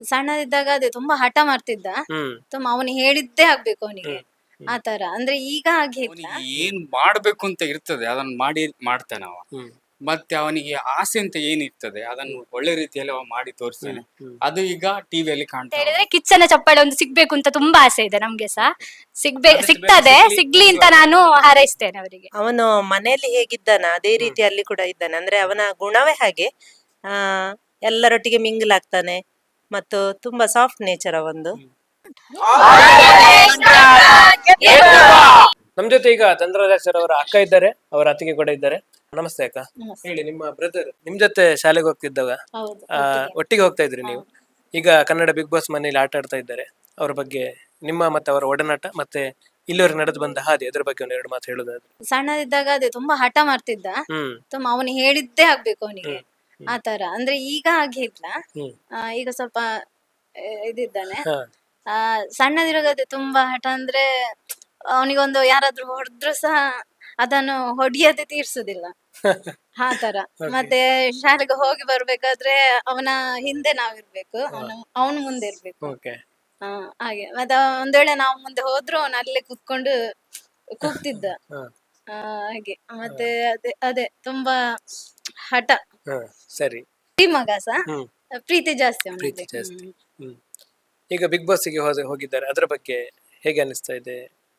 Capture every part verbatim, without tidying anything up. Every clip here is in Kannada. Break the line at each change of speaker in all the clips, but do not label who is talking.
ಸಣ್ಣದಿದ್ದಾಗ ಅದೇ ತುಂಬಾ ಹಠ ಮಾಡ್ತಿದ್ದ.
ಹ್ಮ್
ತುಂಬ ಅವನು ಹೇಳಿದ್ದೇ ಆಗ್ಬೇಕು ಅವನಿಗೆ.
ಹ್ಮ್
ಆ ತರ ಅಂದ್ರೆ ಈಗ ಹಾಗೆ ಇಲ್ಲ.
ಅವನಿಗೆ ಏನ್ ಮಾಡ್ಬೇಕು ಅಂತ ಇರ್ತದೆ ಅದನ್ನ ಮಾಡಿ ಮಾಡ್ತಾನೆ ಅವ.
ಹ್ಮ್
ಮತ್ತೆ ಅವನಿಗೆ ಆಸೆ ಅಂತ ಏನಿರ್ತದೆ ಅದನ್ನು ಒಳ್ಳೆ ರೀತಿಯಲ್ಲಿ ಅವ ಮಾಡಿ ತೋರಿಸ್ತಾನೆ.
ಹ್ಮ್
ಅದು ಈಗ ಟಿವಿಯಲ್ಲಿ
ಅಂತ
ಕಾಣ್ತಾ
ಹೇಳಿದ್ರೆ ಕಿಚ್ಚನ ಚಪ್ಪಾಳೆ ಒಂದು ಸಿಗ್ಬೇಕು ಅಂತ ತುಂಬಾ ಆಸೆ ಇದೆ ನಮ್ಗೆ ಸಹ. ಸಿಗ್ಬೇ
ಆದಷ್ಟು
ಸಿಗ್ತದೆ,
ಬೇಗ ಸಿಗ್ಲಿ-
ಸಿಗ್ಲಿ ಅಂತ ನಾನು ಹಾರೈಸ್ತೇನೆ ಅವರಿಗೆ.
ಅವನು ಮನೆಯಲ್ಲಿ ಹೇಗಿದ್ದಾನ ಅದೇ ರೀತಿ ಅಲ್ಲಿ ಕೂಡ ಇದ್ದಾನೆ. ಅಂದ್ರೆ ಅವನ ಗುಣವೇ ಹಾಗೆ. ಆ ಎಲ್ಲರೊಟ್ಟಿಗೆ ಮಿಂಗಲ್ ಆಗ್ತಾನೆ ಮತ್ತು ತುಂಬಾ ಸಾಫ್ಟ್ ನೇಚರ್ ಅವಂದು.
ನಮ್ ಜೊತೆ ಈಗ ಧನರಾಜ್ ಸರ್ ಅವರ ಅಕ್ಕ ಇದ್ದಾರೆ, ಅವರ ಅತ್ತಿಗೆ ಕೂಡ ಇದ್ದಾರೆ. ನಮಸ್ತೆ ಅಕ್ಕ.
ನಮಸ್ತೆ.
ಹೇಳಿ, ನಿಮ್ಮ ಬ್ರದರ್ ನಿಮ್ ಜೊತೆ ಶಾಲೆಗೆ ಹೋಗ್ತಿದ್ದವ,
ಹೌದು,
ಆ,
ಒಟ್ಟಿಗೆ.
ಒಟ್ಟಿಗೆ ಹೋಗ್ತಾ ಇದ್ರಿ ನೀವು. ಈಗ ಕನ್ನಡ ಬಿಗ್ ಬಾಸ್ ಮನೇಲಿ ಆಟ ಆಡ್ತಾ ಇದ್ದಾರೆ. ಅವ್ರ ಬಗ್ಗೆ ನಿಮ್ಮ ಮತ್ತೆ ಅವರ ಒಡನಾಟ ಮತ್ತೆ ಇಲ್ಲಿವರೆಗೆ ನಡೆದು ಬಂದ ಹಾದಿ, ಅದ್ರ ಬಗ್ಗೆ ಒಂದ್ ಎರಡು ಮಾತು ಹೇಳೋದಾದ್ರೆ.
ಸಣ್ಣದಿದ್ದಾಗ ಅದೇ ತುಂಬಾ ಹಠ ಮಾಡ್ತಿದ್ದ.
ಹ್ಮ್
ತುಂಬ ಅವನು ಹೇಳಿದ್ದೇ ಆಗ್ಬೇಕು ಅವನಿಗೆ.
ಹ್ಮ್.
ಆ ತರ ಅಂದ್ರೆ ಈಗ ಹಾಗೆ ಇಲ್ಲ.
ಹ್ಮ್
ಆ, ಈಗ ಸ್ವಲ್ಪ ಆ, ಇದಿದ್ದಾನೆ.
ಹಾ
ಆ ಸಣ್ಣದಿರುವಾಗ ಅದೇ ತುಂಬಾ ಹಠ ಅಂದ್ರೆ ಅವನಿಗೊಂದು ಯಾರಾದ್ರೂ ಹೊಡೆದ್ರು ಸಹ ಅದನ್ನು ಹೊಡಿಯದೆ ತೀರ್ಸುದಿಲ್ಲ. ಆ ತರ. ಮತ್ತೆ ಶಾಲೆಗೆ ಹೋಗಿ ಬರ್ಬೇಕಾದ್ರೆ ಅವನ ಹಿಂದೆ ನಾವಿರ್ಬೇಕು, ಅವನು ಅವನು ಮುಂದೆ ಇರ್ಬೇಕು.
ಓಕೆ.
ಹಾ ಹಾಗೆ. ಮತ್ತೆ ಅವ ಒಂದ್ ವೇಳೆ ನಾವು ಮುಂದೆ ಹೋದ್ರು ಅವನು ಅಲ್ಲೇ ಕುತ್ಕೊಂಡು ಕೂಗ್ತಿದ್ದ.
ಹಾ
ಆ, ಹಾಗೆ. ಮತ್ತೆ ಅದೇ ಅದೇ ತುಂಬಾ ಹಠ.
ಹಾ ಸರಿ.
ಈ ಮಗ ಸಹ
ಹ್ಮ್
ಪ್ರೀತಿ ಜಾಸ್ತಿ
ಪ್ರೀತಿ
ಅವನಿಗೆ.
ಜಾಸ್ತಿ. ಹ್ಮ್ ಈಗ ಬಿಗ್ ಬಾಸ್ ಗೆ ಹೋದ ಹೋಗಿದ್ದಾರೆ, ಅದ್ರ ಬಗ್ಗೆ ಹೇಗೆ ಅನಿಸ್ತಾ ಇದೆ?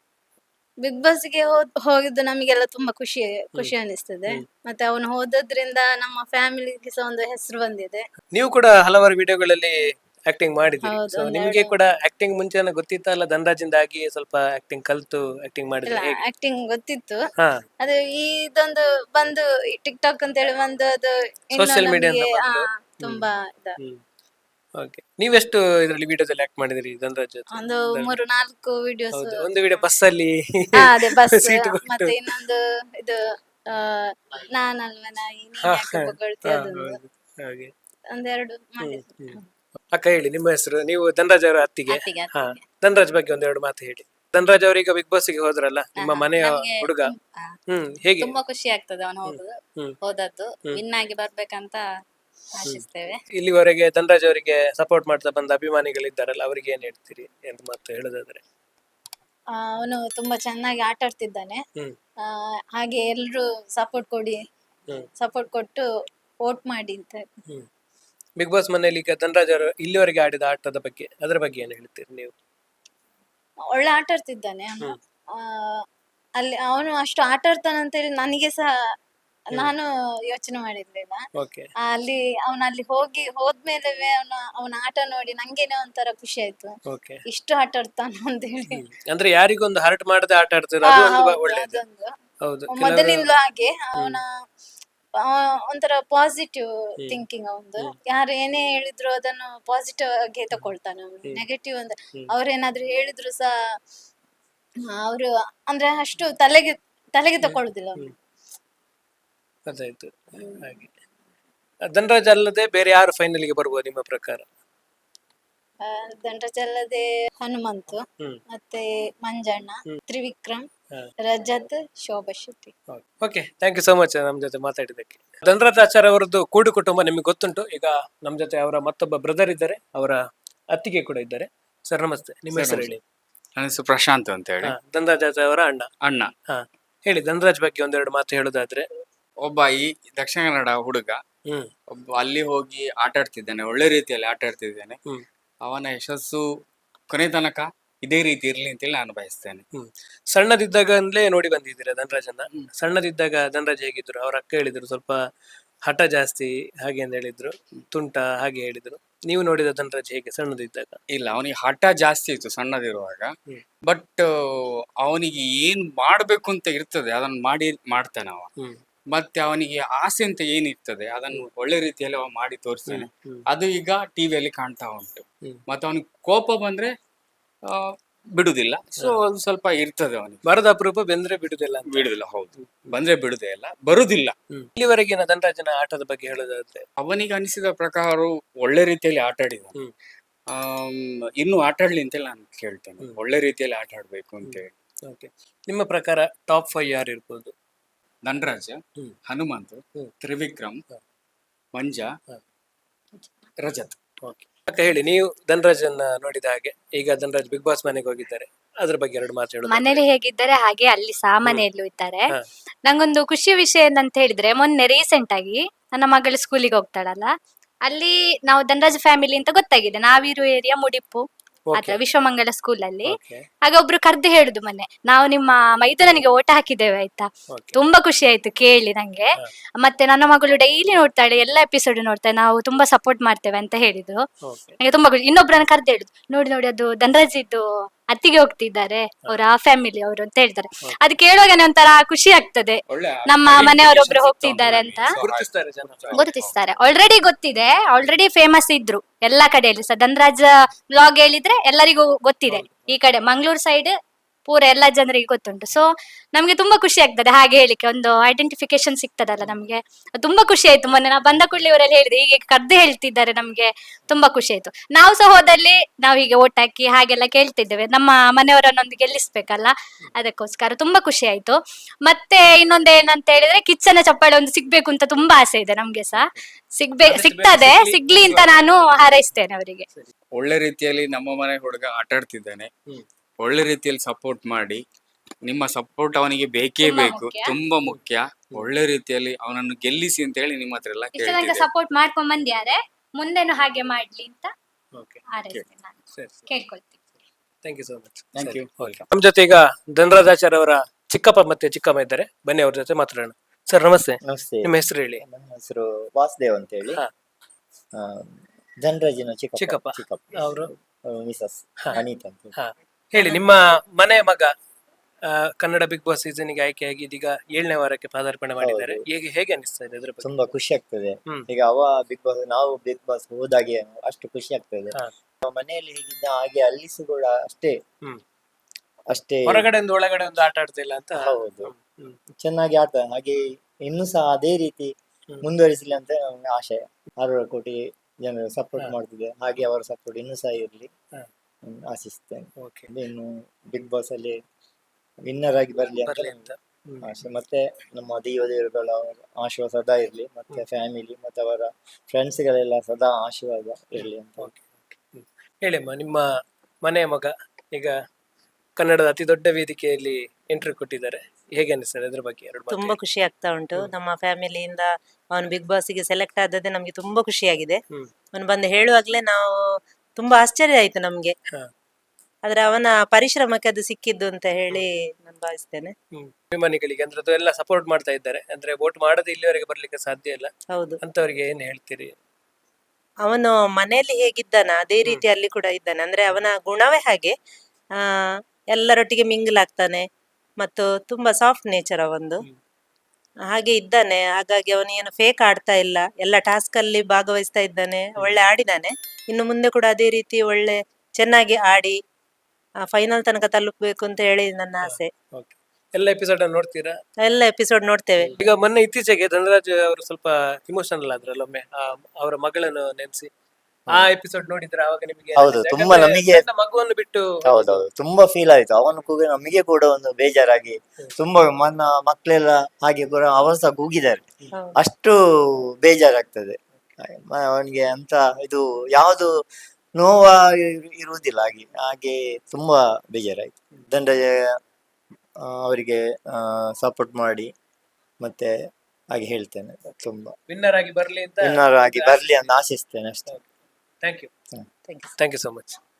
ಬಿಗ್ ಬಾಸ್ ಗೆ ಹೋದ್ ಹೋಗಿದ್ದು ನಮಗೆಲ್ಲ ತುಂಬಾ ಖುಷಿ ಖುಷಿ ಅನಿಸ್ತದೆ. ಮತ್ತೆ ಅವನು ಹೋದದ್ರಿಂದ ನಮ್ಮ ಫ್ಯಾಮಿಲಿಗೆ ಸಹ ಒಂದು ಹೆಸರು ಬಂದಿದೆ.
ನೀವು ಕೂಡ ಹಲವಾರು ವಿಡಿಯೋಗಳಲ್ಲಿ ಆಕ್ಟಿಂಗ್ ಮಾಡಿದಿರಿ.
ಹೌದು,
ಸೊ
ಒಂದೆರಡು.
ನಿಮಗೆ ಕೂಡ ಆಕ್ಟಿಂಗ್ ಮುಂಚೆನ ಗೊತ್ತಿತ್ತಲ್ಲ, ಧನರಾಜಿಂದ ಆಗಿ ಸ್ವಲ್ಪ ಆಕ್ಟಿಂಗ್ ಕಲ್ತು ಆಕ್ಟಿಂಗ್
ಇಲ್ಲ,
ಮಾಡಿದ್ರೆ ಹೇಗೆ?
ಆಕ್ಟಿಂಗ್ ಗೊತ್ತಿತ್ತು.
ಹಾ
ಅದು ಇದೊಂದು ಬಂದು ಟಿಕ್ ಟಾಕ್ ಅಂತ ಹೇಳಿ ಬಂದು ಅದು ಇನ್ನು
Social media
ನಮ್ಗೆ
ಅಂತ
ಆ,
ಬಂದು.
ತುಂಬಾ ಇದ
ಹ್ಮ್ ಓಕೆ. ನೀವೆಷ್ಟು ಇದರಲ್ಲಿ ವಿಡಿಯೋದಲ್ಲಿ ಆಕ್ಟ್ ಮಾಡಿದಿರಿ ಧನರಾಜ್ ಜೊತೆ?
ಒಂದು ಮೂರು ನಾಲ್ಕು ವಿಡಿಯೋಸ್.
ಹೌದು, ಒಂದು ವಿಡಿಯೋ ಬಸ್ ಅಲ್ಲಿ
ಅದೇ ಬಸ್.
ಸೀಟ್ ಕೊಟ್ಟು.
ಮತ್ತೆ ಇನ್ನೊಂದು ಇದು ಆ, ನಾನಲ್ವ ನಾಯಿ ನೀನ್
ಹಾ,
ಯಾಕೆ ಬೊಗಳ್ತಿ
ಹಾ,
ಅದೊಂದು
ಹೌದು. ಹಾಗೆ.
ಒಂದೆರಡು
ಹ್ಮ್,
ಮಾಡಿದ್ರು.
ಹ್ಮ್. ಅಕ್ಕ ಹೇಳಿ, ನಿಮ್ಮ ಹೆಸರು? ನೀವು ಧನರಾಜ್ ಅವರ ಅತ್ತಿಗೆ.
ಅತ್ತಿಗೆ,
ಹಾ,
ಅತ್ತಿಗೆ.
ಧನರಾಜ್ ಬಗ್ಗೆ ಒಂದೆರಡು ಮಾತು ಹೇಳಿ. ಧನರಾಜ್ ಅವರೀಗ ಬಿಗ್ ಬಾಸ್ ಗೆ ಹೋದ್ರಲ್ಲ, ನಿಮ್ಮ
ಹಾ,
ಮನೆಯ
ನಮ್ಗೆ
ಹುಡುಗ.
ತುಂ- ಹಾ,
ಹ್ಮ್ ಹೇಗೆ?
ತುಂಬಾ ಖುಷಿ ಆಗ್ತದೆ ಅವನು ಹೋಗುದು
ಹ್ಮ್.
ಹೋದದ್ದು.
ಹ್ಮ್.
ವಿನ್ ಆಗಿ ಬರ್ಬೇಕಂತ ಆಶಿಸ್ತೇವೆ.
ಇಲ್ಲಿವರೆಗೆ ಧನರಾಜ್ ಅವರಿಗೆ ಸಪೋರ್ಟ್ ಮಾಡ್ತಾ ಬಂದ ಅಭಿಮಾನಿಗಳಿದ್ದಾರಲ್ಲ, ಅವರಿಗೆ ಏನ್ ಹೇಳ್ತೀರಿ ಅಂತ ಮಾತು ಹೇಳೋದಾದ್ರೆ?
ಆ, ಅವನು ತುಂಬಾ ಚೆನ್ನಾಗಿ ಆಟ ಆಡ್ತಿದ್ದಾನೆ.
ಹ್ಮ್
ಆ, ಹಾಗೆ ಎಲ್ರು ಸಪೋರ್ಟ್ ಕೊಡಿ,
ಹ್ಮ್
ಸಪೋರ್ಟ್ ಕೊಟ್ಟು ವೋಟ್ ಮಾಡಿ ಅಂತ.
ಹ್ಮ್ ಬಿಗ್ ಬಾಸ್ ಮನೆಯಲ್ಲಿ ಈಗ ಧನರಾಜ್ ಅವರು ಇಲ್ಲಿವರೆಗೆ ಆಡಿದ ಆಟದ ಬಗ್ಗೆ, ಅದರ ಬಗ್ಗೆ ಏನ್ ಹೇಳ್ತೀರಿ ನೀವು?
ಒಳ್ಳೆ ಆಟ ಆಡ್ತಿದ್ದಾನೆ ಅವನು. ಆ, ಅಲ್ಲಿ ಅವನು ಅಷ್ಟು ಆಟ ಆಡ್ತಾನೆ ಅಂತ ಹೇಳಿ ನನಗೆ ಸಹ ನಾನು ಯೋಚನೆ ಮಾಡಿರ್ಲಿಲ್ಲ.
ಓಕೆ.
ಆ, ಅಲ್ಲಿ ಅವನ ಅಲ್ಲಿ ಹೋಗಿ ಹೋದ್ಮೇಲೆ ಅವನ ಅವನ ಆಟ ನೋಡಿ ನಂಗೇನೆ ಒಂಥರ ಖುಷಿ ಆಯ್ತು.
ಓಕೆ.
ಇಷ್ಟು ಆಟ ಆಡ್ತಾನ ಅಂತ ಹೇಳಿ.
ಅಂದ್ರೆ ಯಾರಿಗೊಂದು ಹರ್ಟ್ ಮಾಡದೆ ಆಟ ಆಡ್ತಾರೆ,
ಆ,
ಅದು ಒಂದು
ಹೌದು,
ಒಳ್ಳೇದು.
ಅದೊಂದು
ಹೌದು.
ಮೊದಲಿಂದಲೂ ಹಾಗೆ ಅವನ ಒಂಥರ ಪಾಸಿಟಿವ್
ಹ್ಮ್.
ಥಿಂಕಿಂಗ್ ಅವಂದು.
ಹ್ಮ್.
ಯಾರು ಏನೇ ಹೇಳಿದ್ರು ಅದನ್ನು ಪಾಸಿಟಿವ್ ಆಗಿ ತಕೊಳ್ತಾನೆ ಅವನು.
ಹ್ಮ್.
ನೆಗೆಟಿವ್ ಅಂತ
ಹ್ಮ್.
ಅವ್ರೇನಾದ್ರೂ ಹೇಳಿದ್ರು ಸಹ ಅವರು ಅಂದ್ರೆ ಅಷ್ಟು ತಲೆಗೆ ತಲೆಗೆ ತಕೊಳ್ಳುದಿಲ್ಲ ಅವನು.
ಅದಾಯ್ತು. ಹಾಗೆ ಧನರಾಜ್ ಅಲ್ಲದೆ ಬೇರೆ ಯಾರು ಫೈನಲ್ ಗೆ ಬರ್ಬೋದು ನಿಮ್ಮ ಪ್ರಕಾರ?
ಆ, ಧನರಾಜ್ ಅಲ್ಲದೆ ಹನುಮಂತು,
ಹ್ಮ್
ಮತ್ತೆ ಮಂಜಣ್ಣ, ತ್ರಿವಿಕ್ರಮ್,
ಹಾ.
Rajath, Shobha Shetty.
Okay, thank you so much ನಮ್ ಜೊತೆ ಮಾತಾಡಿದ್ದಕ್ಕೆ. ಧನರಾಜ್ ಆಚಾರ್ಯ ಅವರದ್ದು ಕೂಡು ಕುಟುಂಬ ನಿಮಗೆ ಗೊತ್ತುಂಟು. ಈಗ ನಮ್ ಜೊತೆ ಅವರ ಮತ್ತೊಬ್ಬ ಬ್ರದರ್ ಇದ್ದಾರೆ, ಅವರ ಅತ್ತಿಗೆ ಕೂಡ ಇದ್ದಾರೆ. ಸರ್ ನಮಸ್ತೆ, ನಿಮ್ಮ
Sir,
ಹೆಸರು ಹೇಳಿ?
ನನ್ನ ಹೆಸರು ಪ್ರಶಾಂತ್ ಅಂತ ಹೇಳಿ.
ಹಾ, ಧನರಾಜ್ ಆಚಾರ್ಯ ಅವರ ಅಣ್ಣ.
ಅಣ್ಣ.
ಹಾ ಹೇಳಿ, ಧನರಾಜ್ ಬಗ್ಗೆ ಒಂದೆರಡು ಮಾತು ಹೇಳೋದಾದ್ರೆ?
ಒಬ್ಬ ಈ ದಕ್ಷಿಣ ಕನ್ನಡ ಹುಡುಗ
ಹ್ಮ್
ಒಬ್ಬ ಅಲ್ಲಿ ಹೋಗಿ ಆಟ ಆಡ್ತಿದ್ದಾನೆ, ಒಳ್ಳೆ ರೀತಿಯಲ್ಲಿ ಆಟ ಆಡ್ತಿದ್ದಾನೆ.
ಹ್ಮ್
ಅವನ ಯಶಸ್ಸು ಕೊನೆ ತನಕ ಇದೇ ರೀತಿ ಇರ್ಲಿ ಅಂತೇಳಿ ನಾನು ಬಯಸ್ತೇನೆ.
ಹ್ಮ್ ಸಣ್ಣದಿದ್ದಾಗಲೇ ನೋಡಿ ಬಂದಿದ್ದೀರಾ ಧನರಾಜನ್ನ?
ಹ್ಮ್.
ಸಣ್ಣದಿದ್ದಾಗ ಧನರಾಜ್ ಹೇಗಿದ್ರು? ಅವ್ರ ಅಕ್ಕ ಹೇಳಿದ್ರು ಸ್ವಲ್ಪ ಹಠ ಜಾಸ್ತಿ ಹಾಗೆ ಅಂತ ಹೇಳಿದ್ರು, ತುಂಟ ಹಾಗೆ ಹೇಳಿದ್ರು. ನೀವು ನೋಡಿದ ಧನರಾಜ್ ಹೇಗೆ ಸಣ್ಣದಿದ್ದಾಗ?
ಇಲ್ಲ, ಅವನಿಗೆ ಹಠ ಜಾಸ್ತಿ ಇತ್ತು ಸಣ್ಣದಿರುವಾಗ.
ಹ್ಮ್.
ಬಟ್ ಅವನಿಗೆ ಏನ್ ಮಾಡ್ಬೇಕು ಅಂತ ಇರ್ತದೆ ಅದನ್ನ ಮಾಡಿ ಮಾಡ್ತಾನೆ ಅವ.
ಹ್ಮ್
ಮತ್ತೆ ಅವನಿಗೆ ಆಸೆ ಅಂತ ಏನಿರ್ತದೆ ಅದನ್ನು ಒಳ್ಳೆ ರೀತಿಯಲ್ಲಿ ಅವ ಮಾಡಿ ತೋರಿಸ್ತಾನೆ.
ಹ್ಮ್
ಅದು ಈಗ ಟಿವಿಯಲ್ಲಿ ಕಾಣ್ತಾ ಉಂಟು.
ಹ್ಮ್.
ಮತ್ತೆ ಅವನಿಗೆ ಕೋಪ ಬಂದ್ರೆ ಆ, ಬಿಡುದಿಲ್ಲ. ಸೊ ಅದು ಸ್ವಲ್ಪ ಇರ್ತದೆ ಅವನಿಗೆ.
ಬರದ ಅಪರೂಪ ಬೆಂದ್ರೆ ಬಿಡುದಿಲ್ಲ ಅಂತ.
ಬಿಡುದಿಲ್ಲ, ಹೌದು. ಬಂದ್ರೆ ಬಿಡುದೇ ಇಲ್ಲ, ಬರುದಿಲ್ಲ.
ಹ್ಮ್. ಇಲ್ಲಿವರೆಗಿನ ಧನರಾಜನ ಆಟದ ಬಗ್ಗೆ ಹೇಳೋದಾದ್ರೆ?
ಅವನಿಗೆ ಅನಿಸಿದ ಪ್ರಕಾರ ಒಳ್ಳೆ ರೀತಿಯಲ್ಲಿ ಆಟ ಆಡಿದ.
ಹ್ಮ್
ಆಮ್, ಇನ್ನು ಆಟ ಆಡ್ಲಿ ಅಂತೇಳಿ ನಾನು ಕೇಳ್ತೇನೆ.
ಹ್ಮ್.
ಒಳ್ಳೆ ರೀತಿಯಲ್ಲಿ ಆಟ ಆಡ್ಬೇಕು ಅಂತೇಳಿ.
ಓಕೆ. ನಿಮ್ಮ ಪ್ರಕಾರ ಟಾಪ್ ಫೈವ್ ಯಾರು ಇರ್ಬೋದು?
ಧನರಾಜ,
ಹ್ಮ್.
ಹನುಮಂತ್,
ಹ್ಮ್.
ತ್ರಿವಿಕ್ರಮ್,
ಹ.
ಮಂಜ,
ಹ.
ರಜತ್.
ಓಕೆ. ಅಕ್ಕ ಹೇಳಿ, ನೀವು ಧನರಾಜನ್ನ ನೋಡಿದ ಹಾಗೆ ಈಗ ಧನರಾಜ್ ಬಿಗ್ ಬಾಸ್ ಮನೆಗೆ ಹೋಗಿದ್ದಾರೆ, ಅದ್ರ ಬಗ್ಗೆ ಎರಡು ಮಾತು ಹೇಳೋದು.
ಮನೇಲಿ ಹೇಗಿದ್ದಾರೆ ಹಾಗೆ ಅಲ್ಲಿ ಸಹ ಮನೆಯಲ್ಲೂ ಇದ್ದಾರೆ.
ಹಾ.
ನಂಗೊಂದು ಖುಷಿ ವಿಷಯ ಏನಂತ ಹೇಳಿದ್ರೆ, ಮೊನ್ನೆ ರೀಸೆಂಟ್ ಆಗಿ ನನ್ನ ಮಗಳು ಸ್ಕೂಲಿಗೆ ಹೋಗ್ತಾಳಲ್ಲ, ಅಲ್ಲಿ ನಾವು ಧನರಾಜ್ ಫ್ಯಾಮಿಲಿ ಅಂತ ಗೊತ್ತಾಗಿದೆ. ನಾವಿರೋ ಏರಿಯಾ ಮುಡಿಪು ಅಥವಾ ವಿಶ್ವಮಂಗಲ ಸ್ಕೂಲ್ ಅಲ್ಲಿ.
Okay.
ಹಾಗೆ ಒಬ್ರು ಕರ್ದು ಹೇಳುದು ಮೊನ್ನೆ, ನಾವು ನಿಮ್ಮ ಮೈದಾನಿಗೆ ಓಟ ಹಾಕಿದ್ದೇವೆ ಆಯ್ತಾ.
Okay.
ತುಂಬಾ ಖುಷಿ ಆಯ್ತು ಕೇಳಿ ನಂಗೆ. ಮತ್ತೆ ನನ್ನ ಮಗಳು ಡೈಲಿ ನೋಡ್ತಾಳೆ, ಎಲ್ಲ ಎಪಿಸೋಡ್ ನೋಡ್ತಾಳೆ, ನಾವು ತುಂಬಾ ಸಪೋರ್ಟ್ ಮಾಡ್ತೇವೆ ಅಂತ ಹೇಳಿದ್ರು.
Okay.
ನಂಗೆ ತುಂಬಾ ಖುಷಿ. ಇನ್ನೊಬ್ರನ್ನ ಕರ್ದು ಹೇಳುದು, ನೋಡಿ ನೋಡಿ ಅದು ಧನರಾಜ್ ಇದ್ದು ಅತ್ತಿಗೆ ಹೋಗ್ತಿದ್ದಾರೆ, ಅವ್ರ ಆ ಫ್ಯಾಮಿಲಿ ಅವರು ಅಂತ ಹೇಳ್ತಾರೆ. ಅದು ಕೇಳುವಾಗನೆ ಒಂಥರ ಖುಷಿ ಆಗ್ತದೆ,
ಒಳ್ಳೆ
ನಮ್ಮ ಮನೆಯವರೊಬ್ರು ಹೋಗ್ತಿದ್ದಾರೆ ಅಂತ
ಗುರುತಿಸ್ತಾರೆ ಜನ.
ಗುರುತಿಸ್ತಾರೆ. ಆಲ್ರೆಡಿ ಗೊತ್ತಿದೆ, ಆಲ್ರೆಡಿ ಫೇಮಸ್ ಇದ್ರು ಎಲ್ಲಾ ಕಡೆಯಲ್ಲಿ ಸಹ. ಧನರಾಜ್ ವ್ಲಾಗ್ ಹೇಳಿದ್ರೆ ಎಲ್ಲರಿಗೂ ಗೊತ್ತಿದೆ, ಈ ಕಡೆ ಮಂಗಳೂರು ಸೈಡ್ ಪೂರ ಎಲ್ಲ ಜನರಿಗೆ ಗೊತ್ತುಂಟು. ಸೊ ನಮ್ಗೆ ತುಂಬಾ ಖುಷಿ ಆಗ್ತದೆ ಹಾಗೆ ಹೇಳಿಕ್ಕೆ, ಒಂದು ಐಡೆಂಟಿಫಿಕೇಶನ್ ಸಿಗ್ತದಲ್ಲ ನಮ್ಗೆ. ತುಂಬಾ ಖುಷಿ ಆಯ್ತು. ಮೊನ್ನೆ ನಾವು ಬಂದ ಕೂಡಲೇ ಇವರೆಲ್ಲ ಹೇಳಿದೆ, ಹೀಗೆ ಕರ್ದು ಹೇಳ್ತಿದ್ದಾರೆ, ನಮ್ಗೆ ತುಂಬಾ ಖುಷಿ ಆಯ್ತು. ನಾವು ಸಹ ಹೋದಲ್ಲಿ ನಾವು ಹೀಗೆ ಓಟ್ ಹಾಕಿ ಹಾಗೆಲ್ಲ ಕೇಳ್ತಿದ್ದೇವೆ, ನಮ್ಮ ಮನೆಯವರನ್ನೊಂದು ಗೆಲ್ಲಿಸ್ಬೇಕಲ್ಲ, ಅದಕ್ಕೋಸ್ಕರ ತುಂಬಾ ಖುಷಿ ಆಯ್ತು. ಮತ್ತೆ ಇನ್ನೊಂದು ಏನಂತ ಹೇಳಿದ್ರೆ, ಕಿಚ್ಚನ ಚಪ್ಪಾಳೆ ಒಂದು ಸಿಗ್ಬೇಕು ಅಂತ ತುಂಬಾ ಆಸೆ ಇದೆ ನಮ್ಗೆ ಸಹ. ಸಿಗ್ಬೇ ಸಿಗ್ತದೆ, ಸಿಗ್ಲಿ ಅಂತ ನಾನು ಹಾರೈಸ್ತೇನೆ ಅವರಿಗೆ.
ಒಳ್ಳೆ ರೀತಿಯಲ್ಲಿ ನಮ್ಮ ಮನೆ ಹುಡುಗ ಆಟ ಆಡ್ತಿದ್ದಾನೆ. ಒಳ್ಳೆ ರೀತಿಯಲ್ಲಿ ಸಪೋರ್ಟ್ ಮಾಡಿ, ನಿಮ್ಮ ಸಪೋರ್ಟ್ ಅವನಿಗೆ ಬೇಕೇ
ತುಂಬಾ
ಬೇಕು,
ಮುಖ್ಯ.
ತುಂಬಾ ಮುಖ್ಯ. ಒಳ್ಳೆ ರೀತಿಯಲ್ಲಿ ಅವನನ್ನು ಗೆಲ್ಲಿಸಿ ಅಂತ ಹೇಳಿ ನಿಮ್ಮ ಹತ್ರ ಎಲ್ಲ
ಇಷ್ಟ ತನಕ
ಕೇಳ್ತಿದ್ದೆ.
ಸಪೋರ್ಟ್ ಮಾಡ್ಕೊಂಡ್ ಬಂದ್ಯಾರೆ, ಮುಂದೆನು ಹಾಗೆ ಮಾಡ್ಲಿ ಅಂತ
Okay.
ಹಾರೈಸ್ತೇನೆ ನಾನು,
ಸರಿ ಸರಿ.
ಕೇಳ್ಕೊಳ್ತೀನಿ.
Thank you so much.
Thank you.
ನಮ್ಮ ಜೊತೆ ಈಗ ಧನರಾಜಾಚಾರ್ಯ ಅವರ ಚಿಕ್ಕಪ್ಪ ಮತ್ತೆ ಚಿಕ್ಕಮ್ಮ ಇದ್ದಾರೆ, ಬನ್ನಿ ಅವ್ರ ಜೊತೆ ಮಾತಾಡೋಣ. ಸರ್ ನಮಸ್ತೆ,
ನಮಸ್ತೆ.
ನಿಮ್ಮ ಹೆಸರು ಹೇಳಿ.
ನನ್ನ ಹೆಸರು ವಾಸುದೇವ್ ಅಂತ ಹೇಳಿ.
ಹಾ.
ಆ, ಧನರಾಜಿನ ಚಿಕ್ಕಪ್ಪ
ಚಿಕ್ಕಪ್ಪ.
ಚಿಕ್ಕಪ್ಪ
ಅವರು
ಮಿಸಸ್
ಹಾ.
ಅನಿತಾ ಅಂತ ಹೇಳಿ.
ಹಾ ಹೇಳಿ, ನಿಮ್ಮ ಮನೆ ಮಗ ಆ, ಕನ್ನಡ ಬಿಗ್ ಬಾಸ್ ಸೀಸನ್ ಗೆ ಆಯ್ಕೆಯಾಗಿ ಇದೀಗ ಏಳನೇ ವಾರಕ್ಕೆ ಪಾದಾರ್ಪಣೆ ಮಾಡಿದ್ದಾರೆ.
ಹೌದು.
ಹೇಗೆ ಹೇಗೆ ಅನಿಸ್ತಾ ಇದೆ ಇದ್ರ ಬಗ್ಗೆ?
ತುಂಬಾ ಖುಷಿ ಆಗ್ತದೆ.
ಹ್ಮ್.
ಈಗ ಅವ ಬಿಗ್ ಬಾಸ್, ನಾವು ಬಿಗ್ ಬಾಸ್ ಹೋದಾಗೆ ಅಷ್ಟು ಖುಷಿ ಆಗ್ತದೆ.
ಹಾ.
ನಮ್ಮ ಮನೆಯಲ್ಲಿ ಹೇಗಿದ್ದ ಹಾಗೆ ಅಲ್ಲಿ ಸಹ ಕೂಡ ಅಷ್ಟೇ
ಹ್ಮ್.
ಅಷ್ಟೇ
ಹೊರಗಡೆ ಒಂದು ಒಳಗಡೆ ಒಂದು ಆಟ ಆಡ್ತಿಲ್ಲ ಅಂತ.
ಹೌದು.
ಹ್ಮ್.
ಚೆನ್ನಾಗಿ ಆಟ, ಹಾಗೆ ಇನ್ನೂ ಸಹ ಅದೇ ರೀತಿ
ಹ್ಮ್.
ಮುಂದುವರಿಸಲಿ ಅಂತ ನನ್ನ ಆಶಯ. ಆರು ಕೋಟಿ ಜನರು ಸಪೋರ್ಟ್
ಹಾ.
ಮಾಡ್ತಿದೆ, ಹಾಗೆ ಅವರ ಸಪೋರ್ಟ್ ಇನ್ನೂ ಸಹ ಇರಲಿ
ಹಾ.
ಆಶಿಸ್ತೇನೆ.
Okay.
ಇನ್ನು ಬಿಗ್ ಬಾಸ್ ಅಲ್ಲಿ ವಿನ್ನರ್ ಆಗಿ ಬರ್ಲಿ ಅಂತ
ಬರ್ಲಿ ಅಂತ. ಹ್ಮ್.
ಆಶೆ. ಮತ್ತೆ ನಮ್ಮ ದೇವ ದೇವರುಗಳ ಆಶೀರ್ವಾದ ಸದಾ ಇರ್ಲಿ, ಮತ್ತೆ ಫ್ಯಾಮಿಲಿ ಮತ್ತೆ ಅವರ ಫ್ರೆಂಡ್ಸ್ ಗಳೆಲ್ಲ ಸದಾ ಆಶೀರ್ವಾದ ಇರ್ಲಿ ಅಂತ.
Okay, okay. ಹ್ಮ್. ಹೇಳಿಮ್ಮ, ನಿಮ್ಮ ಮನೆಯ ಮಗ ಈಗ ಕನ್ನಡದ ಅತಿ ದೊಡ್ಡ ವೇದಿಕೆಯಲ್ಲಿ ಎಂಟ್ರಿ ಕೊಟ್ಟಿದ್ದಾರೆ, ಹೇಗೆ ಅನಿಸ್ತದೆ ಅದ್ರ ಬಗ್ಗೆ ಎರಡು ಮಾತು
ತುಂಬಾ
ಹೇಳಿ.
ಖುಷಿ ಆಗ್ತಾ ಉಂಟು. ನಮ್ಮ ಫ್ಯಾಮಿಲಿಯಿಂದ ಅವನು ಬಿಗ್ ಬಾಸ್ಗೆ ಸೆಲೆಕ್ಟ್ ಆದದ್ದೇ ನಮ್ಗೆ ತುಂಬಾ ಖುಷಿಯಾಗಿದೆ.
ಹ್ಮ್.
ಅವನು ಬಂದು ಹೇಳುವಾಗ್ಲೇ ನಾವು ತುಂಬಾ ಆಶ್ಚರ್ಯ ಆಯ್ತು ನಮ್ಗೆ.
ಹಾ.
ಆದ್ರೆ ಅವನ ಪರಿಶ್ರಮಕ್ಕೆ ಅದು ಸಿಕ್ಕಿದ್ದು ಅಂತ ಹೇಳಿ ನಾನು ಭಾವಿಸ್ತೇನೆ.
ಹ್ಮ್. ಅಭಿಮಾನಿಗಳಿಗೆ ಅಂದ್ರೆ ಅದು ಎಲ್ಲ ಸಪೋರ್ಟ್ ಮಾಡ್ತಾ ಇದ್ದಾರೆ, ಅಂದ್ರೆ ವೋಟ್ ಮಾಡದೆ ಇಲ್ಲಿವರೆಗೆ ಬರ್ಲಿಕ್ಕೆ ಸಾಧ್ಯ ಇಲ್ಲ
ಹೌದು,
ಅಂತವರಿಗೆ ಏನ್ ಹೇಳ್ತೀರಿ?
ಅವನು ಮನೆಯಲ್ಲಿ ಹೇಗಿದ್ದಾನ ಅದೇ ರೀತಿ ಅಲ್ಲಿ ಕೂಡ ಇದ್ದಾನೆ. ಅಂದ್ರೆ ಅವನ ಗುಣವೇ ಹಾಗೆ. ಆ ಎಲ್ಲರೊಟ್ಟಿಗೆ ಮಿಂಗಲ್ ಆಗ್ತಾನೆ, ಮತ್ತು ತುಂಬಾ ಸಾಫ್ಟ್ ನೇಚರ್ ಅವಂದು.
ಹ್ಮ್.
ಹಾಗೆ ಇದ್ದಾನೆ. ಹಾಗಾಗಿ ಅವನು ಏನು ಫೇಕ್ ಆಡ್ತಾ ಇಲ್ಲ, ಎಲ್ಲ ಟಾಸ್ಕ್ ಅಲ್ಲಿ ಭಾಗವಹಿಸ್ತಾ ಇದ್ದಾನೆ, ಒಳ್ಳೆ ಆಡಿದಾನೆ. ಇನ್ನು ಮುಂದೆ ಕೂಡ ಅದೇ ರೀತಿ ಒಳ್ಳೆ ಚೆನ್ನಾಗಿ ಆಡಿ ಫೈನಲ್ ತನಕ ತಲುಪಬೇಕು ಅಂತ ಹೇಳಿ ನನ್ನ ಆಸೆ.
Okay. ಎಲ್ಲ ಎಪಿಸೋಡ್ ನೋಡ್ತೀರಾ?
ಎಲ್ಲ ಎಪಿಸೋಡ್ ನೋಡ್ತೇವೆ.
ಈಗ ಮೊನ್ನೆ ಇತ್ತೀಚೆಗೆ ಧನರಾಜ್ ಅವರು ಸ್ವಲ್ಪ ಇಮೋಷನಲ್ ಆದ್ರಲ್ಲ ಒಮ್ಮೆ, ಆ, ಅವರ ಮಗಳನ್ನು ನೆನೆಸಿ ಆ ಎಪಿಸೋಡ್ ನೋಡಿದ್ರೆ ಅವಾಗ ನಿಮಗೆ
ಹೌದು, ತುಂಬಾ ನಮಗೆ-
ಸಣ್ಣ ಮಗುವನ್ನು ಬಿಟ್ಟು
ಹೌದೌದು, ತುಂಬಾ ಫೀಲ್ ಆಯ್ತು. ಅವನು ಕೂಗ ನಮಗೆ ಕೂಡ ಒಂದು ಬೇಜಾರಾಗಿ, ತುಂಬಾ ಮನ ಮಕ್ಕಳೆಲ್ಲ ಹಾಗೆ ಕೂಡ ಅವರು ಸಹ ಕೂಗಿದ್ದಾರೆ.
ಹೌದು.
ಅಷ್ಟು ಬೇಜಾರಾಗ್ತದೆ ಮ- ಅವನಿಗೆ ಅಂತ ಇದು ಯಾವುದು ನೋವ ಇರು- ಇರುವುದಿಲ್ಲ. ಹಾಗೆ ಹಾಗೆ ತುಂಬಾ ಬೇಜಾರಾಯ್ತು. ದಂಡಜ ಅವರಿಗೆ ಸಪೋರ್ಟ್ ಮಾಡಿ ಮತ್ತೆ ಹಾಗೆ ಹೇಳ್ತೇನೆ, ತುಂಬಾ
ವಿನ್ನರ್ ಆಗಿ ಬರ್ಲಿ ಅಂತ
ವಿನ್ನರ್ ಆಗಿ ಬರ್ಲಿ ಅಂತ ಆಶಿಸ್ತೇನೆ ಅಷ್ಟೇ.
Thank you
Thank you.
Thank you so much.